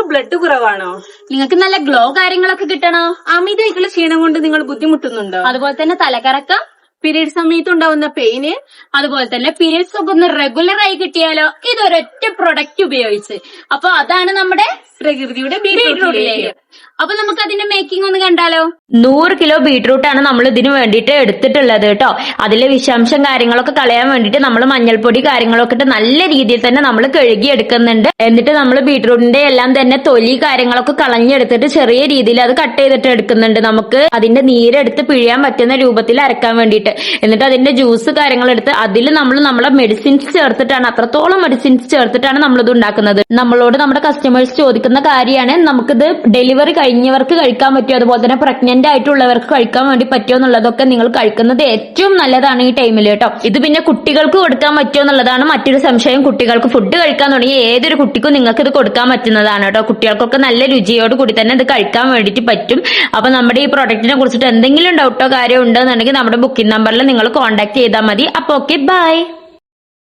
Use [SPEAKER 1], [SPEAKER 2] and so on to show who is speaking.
[SPEAKER 1] Blood കുറവാണോ?
[SPEAKER 2] നിങ്ങൾക്ക് നല്ല ഗ്ലോ കാര്യങ്ങളൊക്കെ കിട്ടണോ?
[SPEAKER 1] അമിതമായിട്ടുള്ള ക്ഷീണം കൊണ്ട് നിങ്ങൾ ബുദ്ധിമുട്ടുന്നുണ്ടോ?
[SPEAKER 2] അതുപോലെ തന്നെ തലകറക്കം,
[SPEAKER 1] പീരീഡ് സമയത്ത് ഉണ്ടാവുന്ന പെയിന്,
[SPEAKER 2] അതുപോലെ തന്നെ പീരിയഡ്സ് ഒക്കെ ഒന്ന് റെഗുലർ ആയി കിട്ടിയാലോ ഇതൊരൊറ്റ പ്രൊഡക്റ്റ് ഉപയോഗിച്ച്. അപ്പൊ അതാണ് നമ്മുടെ
[SPEAKER 1] പ്രകൃതിയുടെ
[SPEAKER 2] ബീട്രൂട്ട് ലേഹ്യം. അപ്പൊ നമുക്ക് അതിന്റെ മേക്കിംഗ് ഒന്ന് കണ്ടാലോ?
[SPEAKER 3] 100 കിലോ ബീട്രൂട്ടാണ് നമ്മൾ ഇതിന് വേണ്ടിയിട്ട് എടുത്തിട്ടുള്ളത് കേട്ടോ. അതിലെ വിഷാംശം കാര്യങ്ങളൊക്കെ കളയാൻ വേണ്ടിയിട്ട് നമ്മൾ മഞ്ഞൾപ്പൊടി കാര്യങ്ങളൊക്കെ ഇട്ട് നല്ല രീതിയിൽ തന്നെ നമ്മൾ കഴുകി എടുക്കുന്നുണ്ട്. എന്നിട്ട് നമ്മൾ ബീട്രൂട്ടിന്റെ എല്ലാം തന്നെ തൊലി കാര്യങ്ങളൊക്കെ കളഞ്ഞെടുത്തിട്ട് ചെറിയ രീതിയിൽ അത് കട്ട് ചെയ്തിട്ട് എടുക്കുന്നുണ്ട്. നമുക്ക് അതിന്റെ നീരെടുത്ത് പിഴിയാൻ പറ്റുന്ന രൂപത്തിൽ അരക്കാൻ വേണ്ടിയിട്ട്. എന്നിട്ട് അതിന്റെ ജ്യൂസ് കാര്യങ്ങളെടുത്ത് അതിൽ നമ്മൾ നമ്മളെ മെഡിസിൻസ് ചേർത്തിട്ടാണ്, അത്രത്തോളം മെഡിസിൻസ് ചേർത്തിട്ടാണ് നമ്മളിത് ഉണ്ടാക്കുന്നത്. നമ്മളോട് നമ്മുടെ കസ്റ്റമേഴ്സ് ചോദിക്കുന്ന കാര്യമാണ്, നമുക്കിത് ഡെലിവറി കഴിഞ്ഞവർക്ക് കഴിക്കാൻ പറ്റുമോ, അതുപോലെ തന്നെ പ്രഗ്നന്റ് ആയിട്ടുള്ളവർക്ക് കഴിക്കാൻ വേണ്ടി പറ്റുമോ എന്നുള്ളതൊക്കെ നിങ്ങൾ കഴിക്കുന്നത് ഏറ്റവും നല്ലതാണ് ഈ ടൈമിൽ കേട്ടോ. ഇത് പിന്നെ കുട്ടികൾക്ക് കൊടുക്കാൻ പറ്റുമോ എന്നുള്ളതാണ് മറ്റൊരു സംശയം. കുട്ടികൾക്ക് ഫുഡ് കഴിക്കാൻ തുടങ്ങിയ ഏതൊരു കുട്ടിക്കും നിങ്ങൾക്ക് ഇത് കൊടുക്കാൻ പറ്റുന്നതാണ് കേട്ടോ. കുട്ടികൾക്കൊക്കെ നല്ല രുചിയോട് കൂടി തന്നെ ഇത് കഴിക്കാൻ വേണ്ടിയിട്ട് പറ്റും. അപ്പൊ നമ്മുടെ ഈ പ്രൊഡക്റ്റിനെ കുറിച്ചിട്ട് എന്തെങ്കിലും ഡൗട്ടോ കാര്യമോ ഉണ്ടെന്നുണ്ടെങ്കിൽ നമ്മുടെ ബുക്കിംഗ് നമ്പറിൽ നിങ്ങൾ കോൺടാക്ട് ചെയ്താൽ മതി. അപ്പൊ ഓക്കെ, ബൈ.